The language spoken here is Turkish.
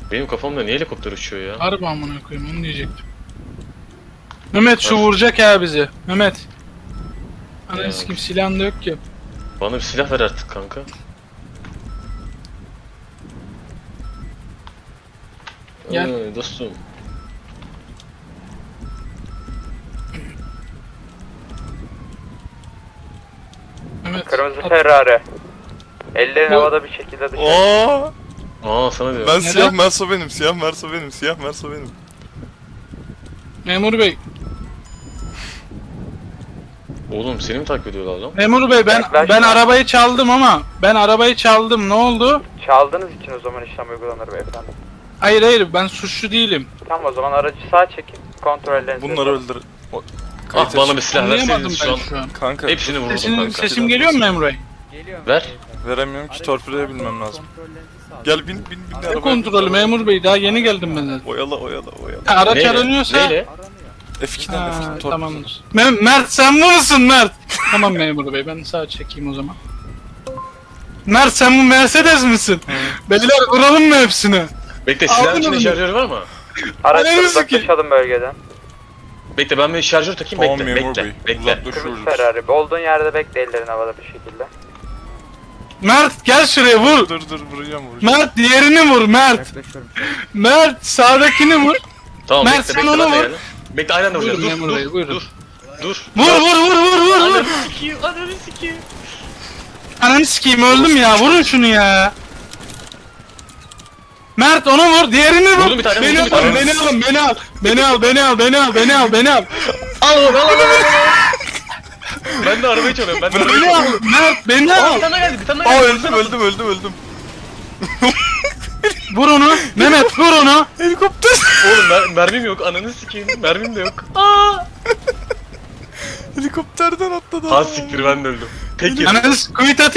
Benim kafamda niye helikopter uçuyor ya? Harbi amına koyayım onu diyecektim. Mehmet şu vuracak ya bizi. Mehmet. Ya. Ananı sikeyim silahın da yok ki. Bana bir silah ver artık kanka. Gel. Dostum. Mehmet. Kırmızı at- Ferrari. Ellerin Bu- havada bir şekilde dışarı. Oo! Aa sana diyorum. Ben Neden? siyah Merso benim, siyah Merso benim, siyah Merso benim. Memur bey. Oğlum seni mi takip ediyorlar lan? Memur bey ben Yaklaşma. arabayı çaldım ama ben arabayı çaldım ne oldu? Çaldığınız için o zaman işlem uygulanır beyefendi. Hayır ben suçlu değilim. Tamam o zaman aracı sağa çekin. Kontrollerinizi Bunları yapın. öldür. O... Ah Kayıt bana aç. bir silah Anlayamadım verseydiniz ben şu an. şu an. Kanka Hepsini vurdum kanka. Sesim geliyor mu memur bey? Ver. veremiyorum ki, torpidoya binmem lazım. Gel bin Ne arabaya. kontrolü memur bey daha yeni geldim ben zaten. Oyala. Ha, araç Neyle? aranıyorsa... Neyle? F2'den Ha, F2 torpido. tamamdır. Mert sen bu musun Mert? Tamam memur bey ben sağa çekeyim o zaman. Mert sen bu Mercedes misin? Beyler vuralım mı hepsini? Bekle Aldın silahın içinde onu. şarjör var mı? Araçları Ananı sikeyim. uzaklaşalım bölgeden. Bekle ben bir şarjör takayım Tamam bekle memur bekle. bey. Bekle. Uzaklaşıyoruz. Kırmızı Ferrari. Olduğun yerde bekle ellerin havada bir şekilde. Mert gel şuraya vur. Dur vuracağım. Mert diğerini vur Mert. Mert sağdakini vur. Tamam Mert, bekle sen bekle onu ben de vur. geldim. Bekle aynen de vuracağız. Buyurun Dur memur bey, dur buyurun. dur. Dur. Vur. Ananı sikeyim ananı sikeyim. Ananı sikeyim öldüm ya vurun şunu ya. Mert onu vur diğerini vur. Vurdum bir tane, Beni vurdum bir alın tane. beni al. Al. Ben de arabayı çalıyorum ben de arabayı Beni al çalıyorum. Mert beni Aa al. bir tane daha geldi bir tane daha Aa geldi. öldüm. Vur onu. Mehmet vur onu. Helikopter. Oğlum mermim yok ananı sikeyim mermim de yok. Aa. Helikopterden atladı. Ha siktir ben de öldüm. Peki. Ananı sikeyim.